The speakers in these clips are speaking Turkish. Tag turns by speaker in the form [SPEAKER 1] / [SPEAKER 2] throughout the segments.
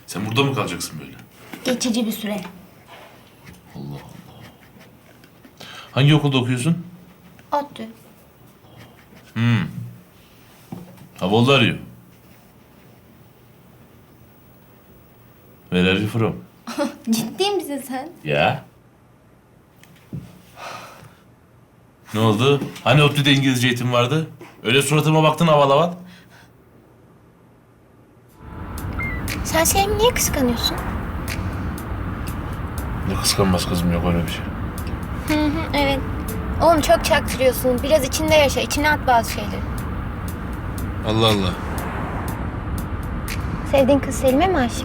[SPEAKER 1] Sen burada mı kalacaksın böyle?
[SPEAKER 2] Geçici bir süre.
[SPEAKER 1] Allah Allah. Hangi okulda okuyorsun?
[SPEAKER 2] ODTÜ.
[SPEAKER 1] Havalı arıyor. Where are you from?
[SPEAKER 2] Ciddi misin sen?
[SPEAKER 1] Ya. Ne oldu? Hani ODTÜ'de İngilizce eğitim vardı? Öyle suratıma baktın aval aval.
[SPEAKER 2] Sen Selim'i niye kıskanıyorsun?
[SPEAKER 1] Ne kıskanmaz kızım, yok öyle bir şey.
[SPEAKER 2] Evet. Oğlum çok çaktırıyorsun. Biraz içinde yaşa. İçine at bazı şeyleri.
[SPEAKER 1] Allah Allah.
[SPEAKER 2] Sevdiğin kız Selim'e mi aşık?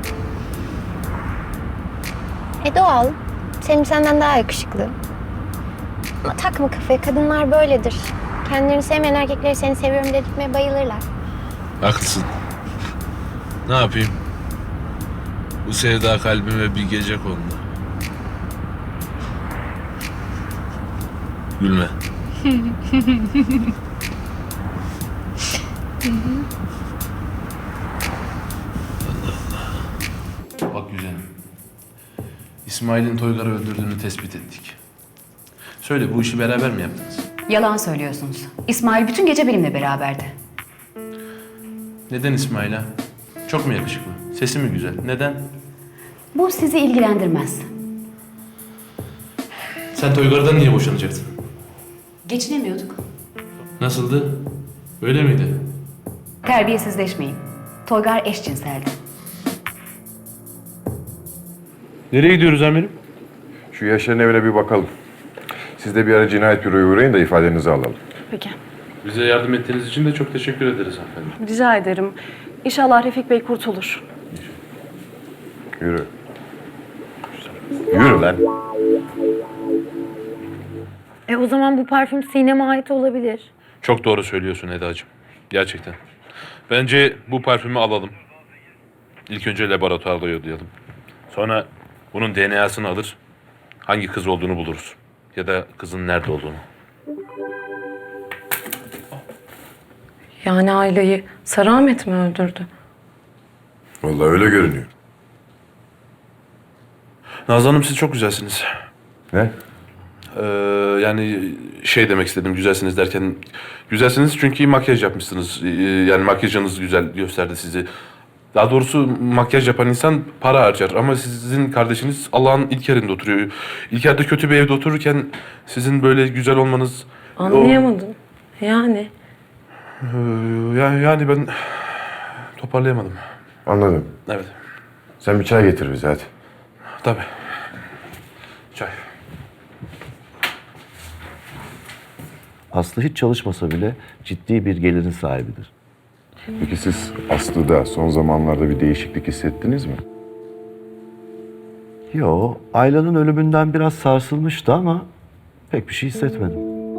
[SPEAKER 2] Doğal. Selim senden daha yakışıklı. Ama takma kafaya. Kadınlar böyledir. Kendilerini sevmeyen erkekleri seni seviyorum dedirtmeye bayılırlar.
[SPEAKER 1] Haklısın. Ne yapayım? Bu sevda kalbime bir gece kondu. Gülme. Bak güzelim. İsmail'in Toygar'ı öldürdüğünü tespit ettik. Söyle, bu işi beraber mi yaptınız?
[SPEAKER 3] Yalan söylüyorsunuz. İsmail bütün gece benimle beraberdi.
[SPEAKER 1] Neden İsmail'a? Çok mu yakışıklı? Sesi mi güzel? Neden?
[SPEAKER 3] Bu sizi ilgilendirmez.
[SPEAKER 1] Sen Toygar'dan niye boşanacaktın?
[SPEAKER 3] Geçinemiyorduk.
[SPEAKER 1] Nasıldı? Öyle miydi?
[SPEAKER 3] Terbiyesizleşmeyin. Toygar eşcinseldi.
[SPEAKER 1] Nereye gidiyoruz amirim?
[SPEAKER 4] Şu Yaşar'ın evine bir bakalım. Siz de bir ara cinayet büroya uğrayın da ifadenizi alalım.
[SPEAKER 5] Peki.
[SPEAKER 1] Bize yardım ettiğiniz için de çok teşekkür ederiz hanımefendi.
[SPEAKER 5] Rica ederim. İnşallah Refik Bey kurtulur.
[SPEAKER 4] Yürü. Yürü lan.
[SPEAKER 5] O zaman bu parfüm Sinem'e ait olabilir.
[SPEAKER 1] Çok doğru söylüyorsun Eda'cığım. Gerçekten. Bence bu parfümü alalım. İlk önce laboratuvarda yollayalım. Sonra bunun DNA'sını alır, hangi kız olduğunu buluruz. Ya da kızın nerede olduğunu.
[SPEAKER 5] Yani aileyi Sarı Ahmet mi öldürdü?
[SPEAKER 4] Vallahi öyle görünüyor.
[SPEAKER 1] Nazlı Hanım, siz çok güzelsiniz.
[SPEAKER 4] Ne?
[SPEAKER 1] Yani şey demek istedim, güzelsiniz derken... Güzelsiniz çünkü makyaj yapmışsınız. Yani makyajınız güzel gösterdi sizi. Daha doğrusu makyaj yapan insan para harcar. Ama sizin kardeşiniz Allah'ın ilk yerinde oturuyor. İlk yerde kötü bir evde otururken sizin böyle güzel olmanız...
[SPEAKER 5] Anlayamadım. Yani.
[SPEAKER 1] Yani ben toparlayamadım.
[SPEAKER 4] Anladım.
[SPEAKER 1] Evet,
[SPEAKER 4] Sen bir çay getir bize hadi.
[SPEAKER 1] tabii. Çay.
[SPEAKER 6] Aslı hiç çalışmasa bile ciddi bir gelirin sahibidir.
[SPEAKER 4] Peki siz Aslı'da son zamanlarda bir değişiklik hissettiniz mi?
[SPEAKER 6] Yo, Ayla'nın ölümünden biraz sarsılmıştı ama pek bir şey hissetmedim.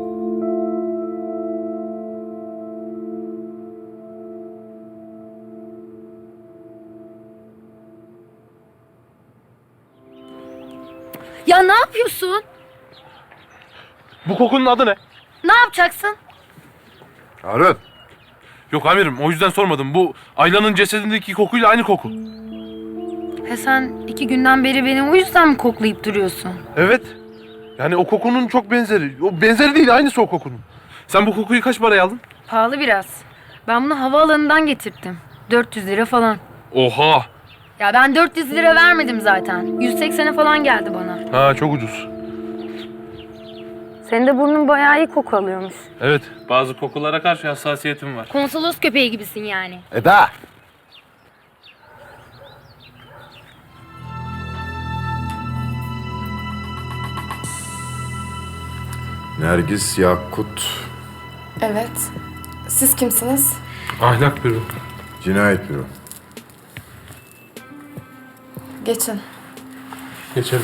[SPEAKER 7] Ya ne yapıyorsun?
[SPEAKER 1] Bu kokunun adı ne?
[SPEAKER 7] Ne yapacaksın?
[SPEAKER 4] Harun.
[SPEAKER 1] Yok amirim, o yüzden sormadım. Bu Ayla'nın cesedindeki kokuyla aynı koku.
[SPEAKER 7] Sen 2 günden beri beni o yüzden mi koklayıp duruyorsun?
[SPEAKER 1] Evet. Yani o kokunun çok benzeri. O benzeri değil, aynısı o kokunun. Sen bu kokuyu kaç paraya aldın?
[SPEAKER 7] Pahalı biraz. Ben bunu havaalanından getirttim. 400 lira falan.
[SPEAKER 1] Oha!
[SPEAKER 7] Ya ben 400 lira vermedim zaten. 180'e falan geldi bana.
[SPEAKER 1] Ha, çok ucuz.
[SPEAKER 5] Senin de burnun bayağı iyi koku alıyormuş.
[SPEAKER 1] Evet. Bazı kokulara karşı hassasiyetim var.
[SPEAKER 7] Konsolos köpeği gibisin yani.
[SPEAKER 4] Eda! Nergis Yakut,
[SPEAKER 8] Evet. Siz kimsiniz?
[SPEAKER 1] Ahlak büro.
[SPEAKER 4] Cinayet büro.
[SPEAKER 8] Geçin.
[SPEAKER 1] Geçelim.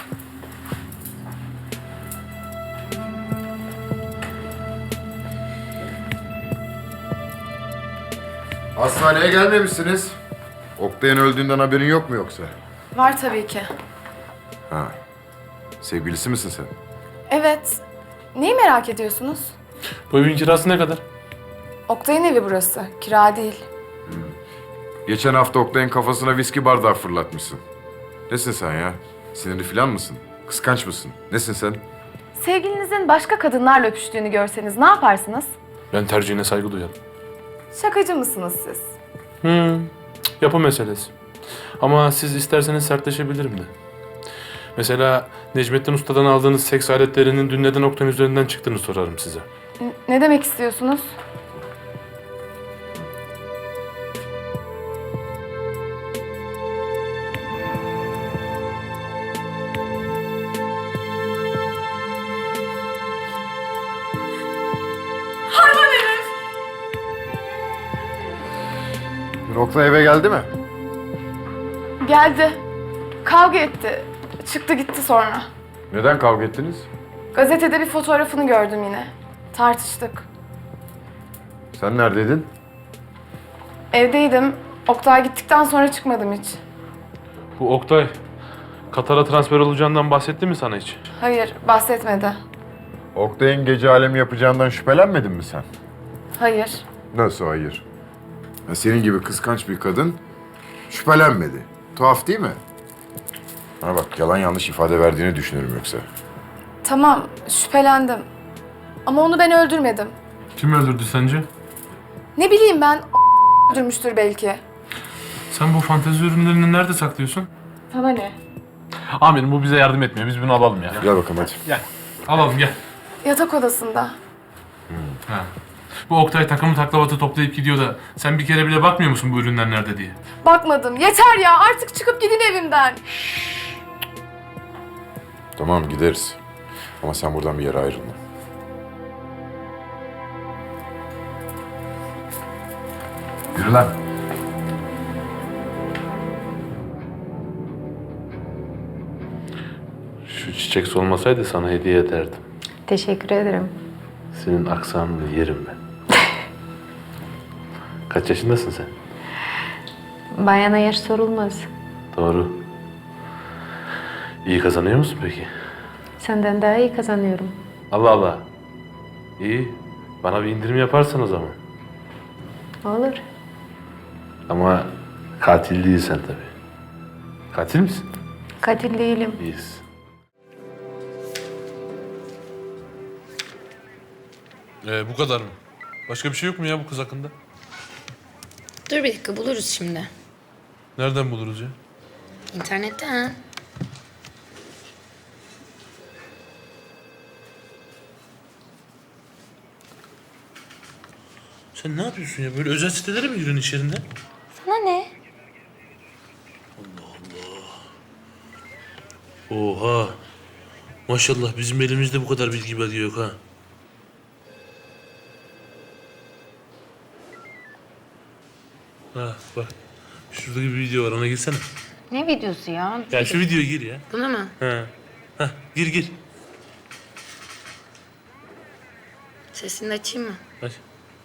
[SPEAKER 4] Hastaneye gelmemişsiniz. Oktay'ın öldüğünden haberin yok mu yoksa?
[SPEAKER 8] Var tabii ki.
[SPEAKER 4] Ha. Sevgilisi misin sen?
[SPEAKER 8] Evet. Neyi merak ediyorsunuz?
[SPEAKER 1] Bu evin kirası ne kadar?
[SPEAKER 8] Oktay'ın evi burası. Kira değil.
[SPEAKER 4] Geçen hafta Oktay'ın kafasına viski bardağı fırlatmışsın. Nesin sen ya? Sinirli falan mısın? Kıskanç mısın? Nesin sen?
[SPEAKER 8] Sevgilinizin başka kadınlarla öpüştüğünü görseniz ne yaparsınız?
[SPEAKER 1] Ben tercihine saygı duyarım.
[SPEAKER 8] Şakacı mısınız siz?
[SPEAKER 1] Yapı meselesi. Ama siz isterseniz sertleşebilirim de. Mesela Necmettin Usta'dan aldığınız seks aletlerinin dün neden Oktay'ın üzerinden çıktığını sorarım size.
[SPEAKER 8] Ne demek istiyorsunuz?
[SPEAKER 4] Dün Oktay eve geldi mi?
[SPEAKER 8] Geldi. Kavga etti. Çıktı gitti sonra.
[SPEAKER 4] Neden kavga ettiniz?
[SPEAKER 8] Gazetede bir fotoğrafını gördüm yine. Tartıştık.
[SPEAKER 4] Sen neredeydin?
[SPEAKER 8] Evdeydim. Oktay gittikten sonra çıkmadım hiç.
[SPEAKER 1] Bu Oktay, Katar'a transfer olacağından bahsetti mi sana hiç?
[SPEAKER 8] Hayır, bahsetmedi.
[SPEAKER 4] Oktay'ın gece alemi yapacağından şüphelenmedin mi sen?
[SPEAKER 8] Hayır.
[SPEAKER 4] Nasıl hayır? Ya senin gibi kıskanç bir kadın şüphelenmedi. Tuhaf değil mi? Ha bak, yalan yanlış ifade verdiğini düşünürüm yoksa.
[SPEAKER 8] Tamam, şüphelendim. Ama onu ben öldürmedim.
[SPEAKER 1] Kim öldürdü sence?
[SPEAKER 8] Ne bileyim ben, öldürmüştür belki.
[SPEAKER 1] Sen bu fantezi ürünlerini nerede saklıyorsun?
[SPEAKER 8] Sana ne?
[SPEAKER 1] Amirim bu bize yardım etmiyor. Biz bunu alalım ya.
[SPEAKER 4] Gel bakalım hadi.
[SPEAKER 1] Gel. Alalım gel.
[SPEAKER 8] Yatak odasında.
[SPEAKER 1] Ha. Bu Oktay takımı taklavatı toplayıp gidiyor da sen bir kere bile bakmıyor musun bu ürünler nerede diye?
[SPEAKER 8] Bakmadım. Yeter ya, artık çıkıp gidin evimden.
[SPEAKER 4] Tamam, gideriz. Ama sen buradan bir yere ayrılma. Yürü lan.
[SPEAKER 1] Şu çiçek solmasaydı sana hediye ederdim.
[SPEAKER 2] Teşekkür ederim.
[SPEAKER 1] Senin aksanını yerim ben. Kaç yaşındasın sen?
[SPEAKER 2] Bayana yaş sorulmaz.
[SPEAKER 1] Doğru. İyi kazanıyor musun peki?
[SPEAKER 2] Senden daha iyi kazanıyorum.
[SPEAKER 1] Allah Allah. İyi. Bana bir indirim yaparsan o zaman.
[SPEAKER 2] Olur.
[SPEAKER 1] Ama katil değilsen tabii. Katil misin?
[SPEAKER 2] Katil değilim.
[SPEAKER 1] İyiyiz. Bu kadar mı? Başka bir şey yok mu ya bu kız hakkında?
[SPEAKER 9] Dur bir dakika buluruz şimdi.
[SPEAKER 1] Nereden buluruz ya?
[SPEAKER 9] İnternetten.
[SPEAKER 1] Sen ne yapıyorsun ya? Böyle özel sitelere mi giriyorsun iş yerinde?
[SPEAKER 2] Sana ne?
[SPEAKER 1] Oha. Maşallah bizim elimizde bu kadar bilgi belge yok ha. Ha bak. Şurada bir video var ona girsene.
[SPEAKER 2] Ne videosu ya?
[SPEAKER 1] Ya şu videoya gir ya.
[SPEAKER 9] Buna mı?
[SPEAKER 1] Ha. Hah gir.
[SPEAKER 9] Sesini de açayım mı?
[SPEAKER 1] Hadi.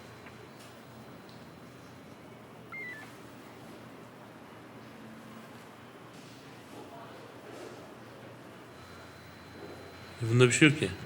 [SPEAKER 1] Bunda bir şey yok ki.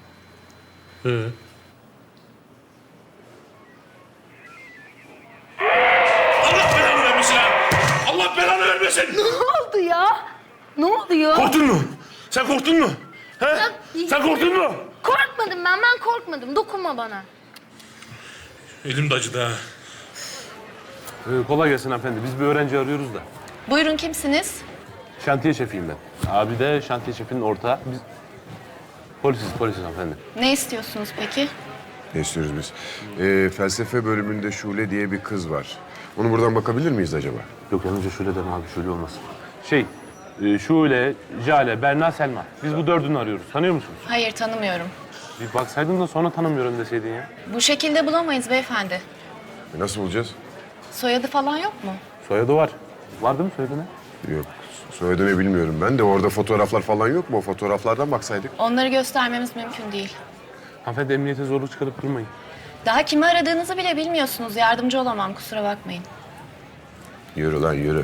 [SPEAKER 1] Allah belanı vermesin ha! Allah belanı vermesin!
[SPEAKER 7] Ne oldu ya?
[SPEAKER 1] Korktun mu? Sen korktun mu? He? Sen korktun mu?
[SPEAKER 7] Korkmadım ben korkmadım. Dokunma bana.
[SPEAKER 1] Elim de acıdı ha. Kolay gelsin hanımefendi. Biz bir öğrenci arıyoruz da.
[SPEAKER 9] Buyurun kimsiniz?
[SPEAKER 1] Şantiye şefiyim ben. Abi de şantiye şefinin ortağı. Biz polisiz hanımefendi.
[SPEAKER 9] Ne istiyorsunuz peki?
[SPEAKER 4] Ne istiyoruz biz? Felsefe bölümünde Şule diye bir kız var. Onu buradan bakabilir miyiz acaba?
[SPEAKER 1] Yok yanınca şöyle deme abi, şöyle olmasın. Şule, Jale, Berna, Selma. Biz bu dördünü arıyoruz. Tanıyor musunuz?
[SPEAKER 9] Hayır tanımıyorum.
[SPEAKER 1] Bir baksaydın da sonra tanımıyorum deseydin ya.
[SPEAKER 9] Bu şekilde bulamayız beyefendi.
[SPEAKER 4] Nasıl bulacağız?
[SPEAKER 9] Soyadı falan yok mu?
[SPEAKER 1] Soyadı var. Var değil mi soyadına?
[SPEAKER 4] Yok. Soyadını bilmiyorum ben de. Orada fotoğraflar falan yok mu? O fotoğraflardan baksaydık.
[SPEAKER 9] Onları göstermemiz mümkün değil.
[SPEAKER 1] Hanımefendi emniyete zorluk çıkarıp durmayın.
[SPEAKER 9] Daha kimi aradığınızı bile bilmiyorsunuz. Yardımcı olamam kusura bakmayın.
[SPEAKER 4] Yürü lan yürü.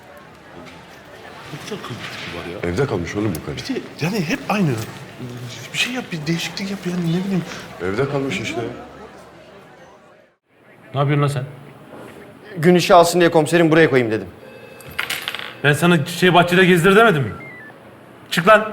[SPEAKER 1] Ne kadar kılıklı var ya.
[SPEAKER 4] Evde kalmış oğlum bu karı.
[SPEAKER 1] Yani hep aynı. Bir şey yap, bir değişiklik yap yani ne bileyim.
[SPEAKER 4] Evde kalmış işte.
[SPEAKER 1] Ne yapıyorsun lan sen?
[SPEAKER 10] gün ışığı alsın diye komiserim buraya koyayım dedim.
[SPEAKER 11] Ben sana çiçeği bahçede gezdir demedim mi? Çık lan.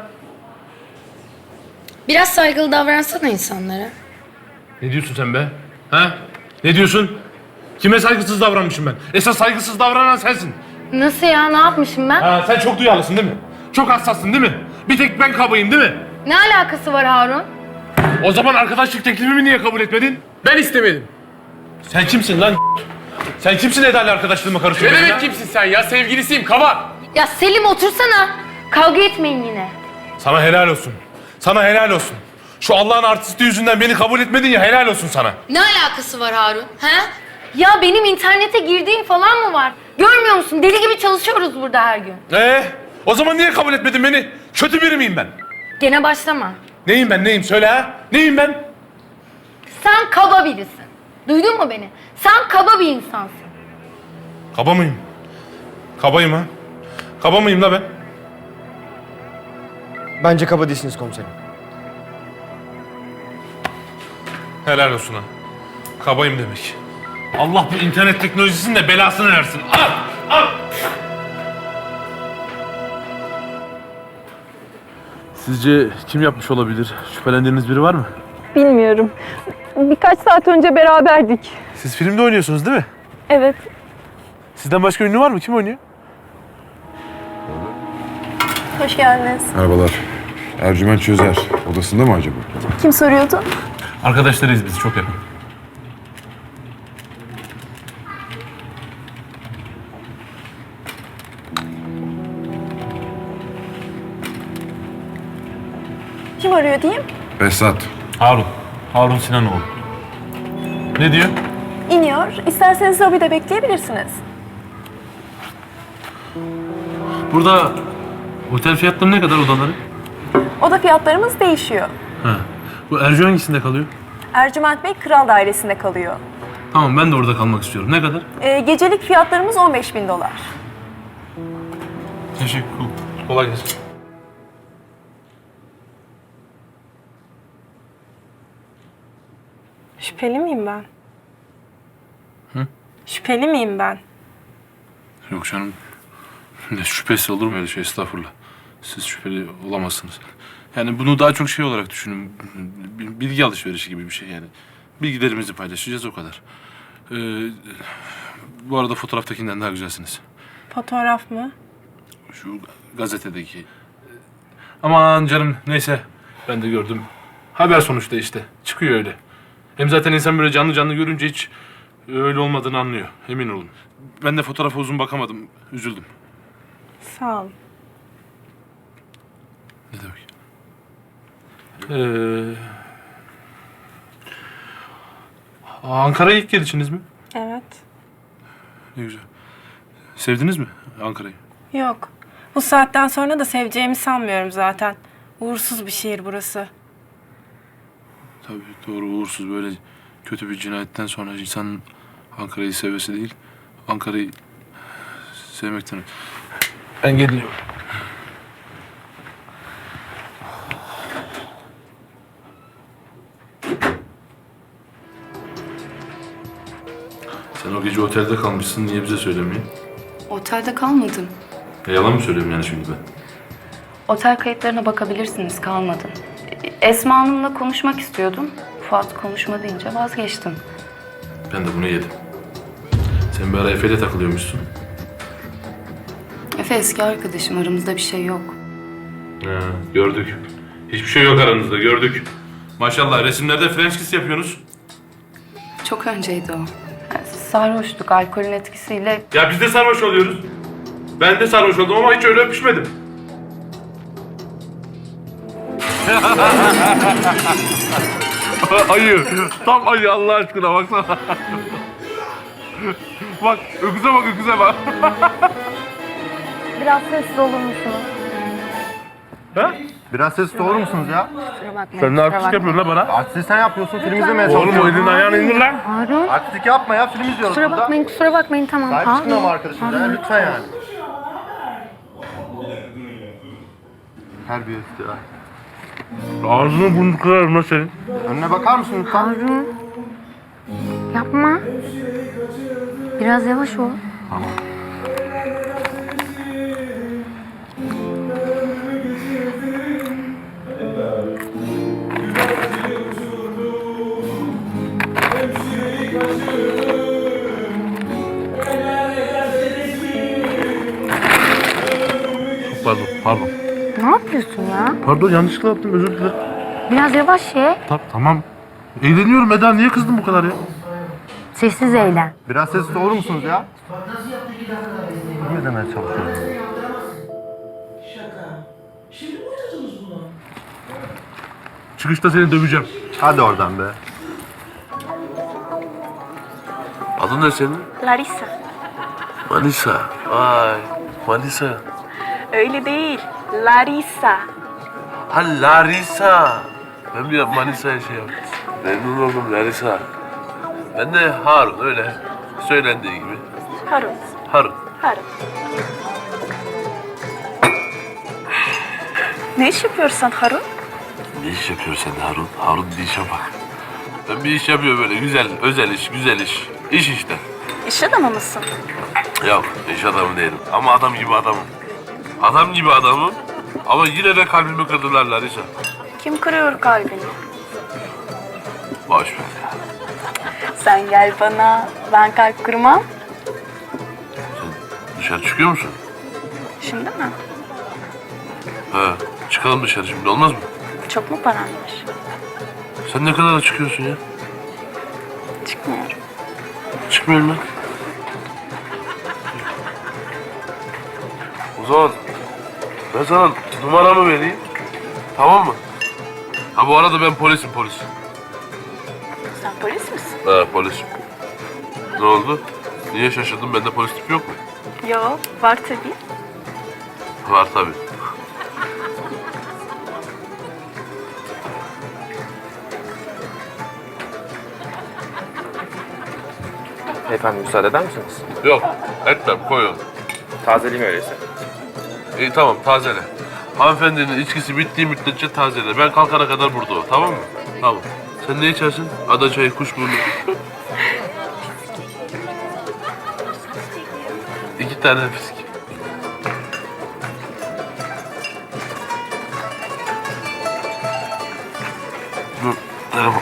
[SPEAKER 7] Biraz saygılı davransana insanlara.
[SPEAKER 11] Ne diyorsun sen be? Ha? Ne diyorsun? Kime saygısız davranmışım ben? Esas saygısız davranan sensin.
[SPEAKER 7] Nasıl ya? Ne yapmışım ben?
[SPEAKER 11] Ha, sen çok duyarlısın değil mi? Çok hassassın değil mi? Bir tek ben kabayım değil mi?
[SPEAKER 7] Ne alakası var Harun?
[SPEAKER 11] O zaman arkadaşlık teklifimi niye kabul etmedin? Ben istemedim. Sen kimsin lan? Sen kimsin Eda'yla arkadaşlığıma karışıyorsun?
[SPEAKER 12] Ne demek kimsin sen ya? Sevgilisiyim, kaba.
[SPEAKER 7] Ya Selim otursana. Kavga etmeyin yine.
[SPEAKER 11] Sana helal olsun. Sana helal olsun. Şu Allah'ın artisti yüzünden beni kabul etmedin ya, helal olsun sana.
[SPEAKER 7] Ne alakası var Harun? He? Ya benim internete girdiğim falan mı var? Görmüyor musun? Deli gibi çalışıyoruz burada her gün.
[SPEAKER 11] O zaman niye kabul etmedin beni? Kötü biri miyim ben?
[SPEAKER 7] Gene başlama.
[SPEAKER 11] Neyim ben, neyim? Söyle ha? Neyim ben?
[SPEAKER 7] Sen kaba birisin. Duydun mu beni? Sen kaba bir insansın.
[SPEAKER 11] Kaba mıyım? Kabayım ha? Kaba mıyım la ben?
[SPEAKER 10] Bence kaba değilsiniz komiserim.
[SPEAKER 11] Helal olsun ha. Kabayım demek. Allah bu internet teknolojisinin de belasını versin. Al! Al!
[SPEAKER 1] Sizce kim yapmış olabilir? Şüphelendiğiniz biri var mı?
[SPEAKER 5] Bilmiyorum. Birkaç saat önce beraberdik.
[SPEAKER 1] Siz filmde oynuyorsunuz değil mi?
[SPEAKER 5] Evet.
[SPEAKER 1] Sizden başka ünlü var mı? Kim oynuyor?
[SPEAKER 8] Hoş geldiniz.
[SPEAKER 4] Merhabalar. Ercüment Çözer. Odasında mı acaba?
[SPEAKER 8] Kim soruyordu?
[SPEAKER 11] Arkadaşlarıyız biz, çok yakın.
[SPEAKER 8] Kim arıyor diyeyim?
[SPEAKER 4] Behzat.
[SPEAKER 11] Harun. Harun Sinanoğlu. Ne diyor?
[SPEAKER 8] İniyor. İsterseniz lobide bekleyebilirsiniz.
[SPEAKER 11] Burada otel fiyatları ne kadar odaları?
[SPEAKER 8] Oda fiyatlarımız değişiyor.
[SPEAKER 11] Ha. Bu Ercü hangisinde kalıyor?
[SPEAKER 8] Ercüment Bey Kral Dairesi'nde kalıyor.
[SPEAKER 11] Tamam, ben de orada kalmak istiyorum. Ne kadar?
[SPEAKER 8] Gecelik fiyatlarımız $15.000.
[SPEAKER 11] Teşekkür. Kolay gelsin.
[SPEAKER 8] Şüpheli miyim ben? Şüpheli miyim ben?
[SPEAKER 11] Yok canım. Ne şüphesi olur mu öyle şey, estağfurullah. Siz şüpheli olamazsınız. Yani bunu daha çok şey olarak düşünün. Bilgi alışverişi gibi bir şey yani. Bilgilerimizi paylaşacağız, o kadar. Bu arada fotoğraftakinden daha güzelsiniz.
[SPEAKER 8] Fotoğraf mı?
[SPEAKER 11] Şu gazetedeki. Aman canım, neyse. Ben de gördüm. Haber sonuçta işte. Çıkıyor öyle. Hem zaten insan böyle canlı canlı görünce hiç öyle olmadığını anlıyor. Emin olun. Ben de fotoğrafa uzun bakamadım. Üzüldüm.
[SPEAKER 8] Sağ ol.
[SPEAKER 11] Ne demek? Ankara'ya ilk gelişiniz mi?
[SPEAKER 8] Evet.
[SPEAKER 11] Ne güzel. Sevdiniz mi Ankara'yı?
[SPEAKER 8] Yok. Bu saatten sonra da seveceğimi sanmıyorum zaten. Uğursuz bir şehir burası.
[SPEAKER 11] Tabii doğru, uğursuz, böyle kötü bir cinayetten sonra insanın Ankara'yı sevmesi değil, Ankara'yı sevmekten. Ben geliyorum. Sen o gece otelde kalmışsın, niye bize söylemiyorsun?
[SPEAKER 3] Otelde kalmadım.
[SPEAKER 11] Yalan mı söylüyorum yani şimdi ben?
[SPEAKER 3] Otel kayıtlarına bakabilirsiniz, kalmadın. Esma Hanım'la konuşmak istiyordum. Fuat konuşma deyince vazgeçtim.
[SPEAKER 11] Ben de bunu yedim. Sen bir ara Efe'yle takılıyormuşsun.
[SPEAKER 3] Efe eski arkadaşım, aramızda bir şey yok.
[SPEAKER 11] Ha, gördük. Hiçbir şey yok aranızda, gördük. Maşallah, resimlerde French kiss yapıyorsunuz.
[SPEAKER 3] Çok önceydi o. Yani sarhoştuk, alkolün etkisiyle.
[SPEAKER 11] Ya biz de sarhoş oluyoruz. Ben de sarhoş oldum ama hiç öyle öpüşmedim. Ayı. Tam ayı, Allah aşkına baksana. Bak, öküze bak, öküze bak.
[SPEAKER 5] Biraz sessiz olur musunuz?
[SPEAKER 11] Ha?
[SPEAKER 13] Biraz sessiz olur musunuz ya?
[SPEAKER 11] Sen ne artistik yapıyorsun lan bana?
[SPEAKER 13] Artistlik sen yapıyorsun, film izlemeye
[SPEAKER 11] Oğlum o
[SPEAKER 13] çalışıyorsun.
[SPEAKER 11] elini ayağını indir lan.
[SPEAKER 5] Harun.
[SPEAKER 13] Artistlik yapma ya, film izliyoruz
[SPEAKER 5] Kusura
[SPEAKER 13] burada.
[SPEAKER 5] bakmayın tamam.
[SPEAKER 13] Sahip çıkın ama arkadaşımıza ya, lütfen yani. Terbiyesiz ya.
[SPEAKER 11] Ağzını burnunu kırarım lan senin.
[SPEAKER 13] Önüne bakar mısın lütfen?
[SPEAKER 5] Yapma. Biraz yavaş ol.
[SPEAKER 11] Pardon.
[SPEAKER 5] Ne yapıyorsun ya?
[SPEAKER 11] Pardon, yanlışlıkla yaptım, özür dilerim.
[SPEAKER 5] Biraz yavaş ye.
[SPEAKER 11] Tamam. Eğleniyorum Eda, niye kızdın bu kadar ya?
[SPEAKER 5] Sessiz eğlen.
[SPEAKER 13] Biraz sessiz olur musunuz ya? Ne demeye çalışıyorum?
[SPEAKER 11] Çıkışta seni döveceğim.
[SPEAKER 13] Hadi oradan be.
[SPEAKER 1] Adın ne senin?
[SPEAKER 7] Larissa.
[SPEAKER 1] Manisa. Vay. Manisa.
[SPEAKER 7] Öyle değil. Larissa.
[SPEAKER 1] Ha, Larisa. Ben bir Manisa'ya şey yaptım. Memnun oldum Larisa. Ben de Harun, öyle söylendiği gibi.
[SPEAKER 7] Harun.
[SPEAKER 1] Harun.
[SPEAKER 7] Harun. Ne iş yapıyorsun Harun?
[SPEAKER 1] Ne iş yapıyorsun sen Harun? Harun bir işe bak. Ben bir iş yapıyorum böyle güzel, özel iş, güzel iş. İş işte.
[SPEAKER 7] İş adamı mısın?
[SPEAKER 1] Yok, iş adamı değilim. Ama adam gibi adamım. Adam gibi adamım. Ama yine de kalbimi kırdılar Larisa.
[SPEAKER 7] Kim kırıyor kalbini?
[SPEAKER 1] Boş ver ya.
[SPEAKER 7] Sen gel bana. Ben kalp kırmam.
[SPEAKER 1] Sen dışarı çıkıyor musun?
[SPEAKER 7] Şimdi mi?
[SPEAKER 1] He, çıkalım dışarı şimdi, olmaz mı?
[SPEAKER 7] Çok mu paran var?
[SPEAKER 1] Sen ne kadar çıkıyorsun ya?
[SPEAKER 7] Çıkmıyorum.
[SPEAKER 1] Çıkmıyorum lan. O zaman ben sana numaramı vereyim. Tamam mı? Ha, bu arada ben polisim, polis.
[SPEAKER 7] Sen polis misin?
[SPEAKER 1] Ha, polisim. Ne oldu? Niye şaşırdın? Bende polis tipi yok mu?
[SPEAKER 7] Yok. Var tabii.
[SPEAKER 1] Var tabii.
[SPEAKER 10] Efendim müsaade eder misiniz?
[SPEAKER 1] Yok, etmem, koy onu.
[SPEAKER 10] Tazeleyeyim öyleyse.
[SPEAKER 1] İyi, tamam, tazele. Hanımefendinin içkisi bittiği müddetçe tazele. Ben kalkana kadar burada o, tamam mı? Tamam. Sen ne içersin? Ada çayı, kuşburnu. 2 tane fisk. Dur, telefon.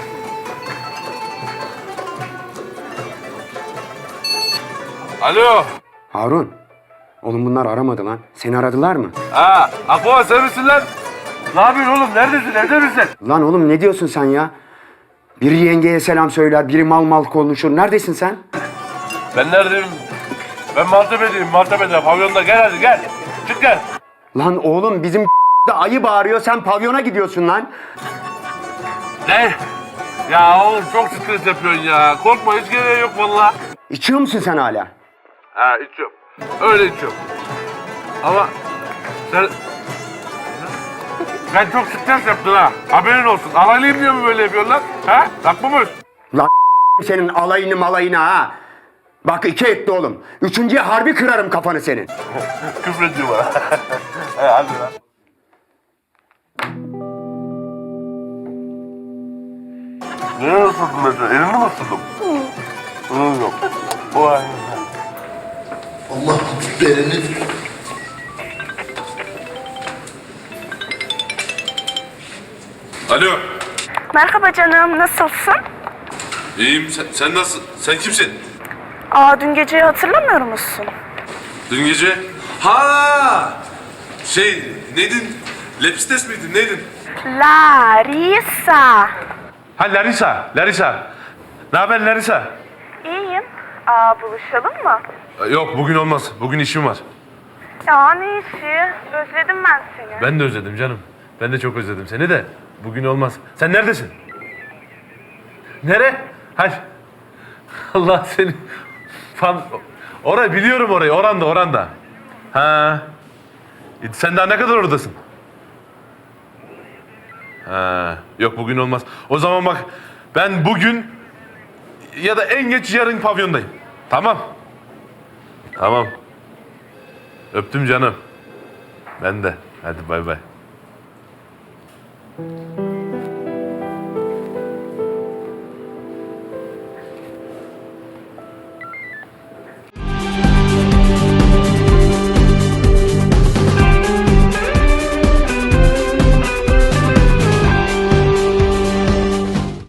[SPEAKER 1] Alo.
[SPEAKER 10] Harun. Oğlum bunlar aramadı lan. Seni aradılar mı?
[SPEAKER 1] Ha, Aqua sen misin lan? Ne yapıyorsun oğlum? Neredesin? Evde misin?
[SPEAKER 10] Lan oğlum ne diyorsun sen ya? Biri yengeye selam söyler, biri mal mal konuşur. Neredesin sen?
[SPEAKER 1] Ben neredeyim? Ben Maltepe'deyim, Maltepe'de. Pavyonda. Gel hadi gel. Çık gel.
[SPEAKER 10] Lan oğlum bizim da ayı bağırıyor, sen pavyona gidiyorsun lan.
[SPEAKER 1] Ne? Ya oğlum çok stres yapıyorsun ya. Korkma, hiç gereği yok vallahi.
[SPEAKER 10] İçiyor musun sen hala?
[SPEAKER 1] Ha, içiyorum. Öyle içiyorum. Ama sen... Ben çok stres yaptın ha. Haberin olsun. Alaylıyım diye mi böyle yapıyorlar? Ha? Haklı mıyız?
[SPEAKER 10] Lan senin alayını malayını ha. Bak 2 etti oğlum. 3.'ye harbi kırarım kafanı senin.
[SPEAKER 1] Küfrediyor bana. Hadi lan. Nereye ısırdın mesela? Elini mi ısırdım? Yok. Vay.
[SPEAKER 13] Allah belanı.
[SPEAKER 1] Alo.
[SPEAKER 7] Merhaba canım. Nasılsın?
[SPEAKER 1] İyiyim. Sen nasıl? Sen kimsin?
[SPEAKER 7] Dün geceyi hatırlamıyor musun?
[SPEAKER 1] Dün gece? Ha! Neydin? Lepistes miydin? Neydin?
[SPEAKER 7] Larissa.
[SPEAKER 1] Ha, Larissa. Ne haber Larissa?
[SPEAKER 7] İyiyim. Buluşalım mı?
[SPEAKER 1] Yok, bugün olmaz. Bugün işim var.
[SPEAKER 7] Ya ne işi? Özledim ben seni.
[SPEAKER 1] Ben de özledim canım. Ben de çok özledim seni de. Bugün olmaz. Sen neredesin? Nere? Hayır. Allah seni... Orayı biliyorum, orayı. Oranda. Ha. Sen daha ne kadar oradasın? Ha. Yok, bugün olmaz. O zaman bak, ben bugün ya da en geç yarın pavyondayım. Tamam. Tamam. Öptüm canım. Ben de. Hadi bay bay.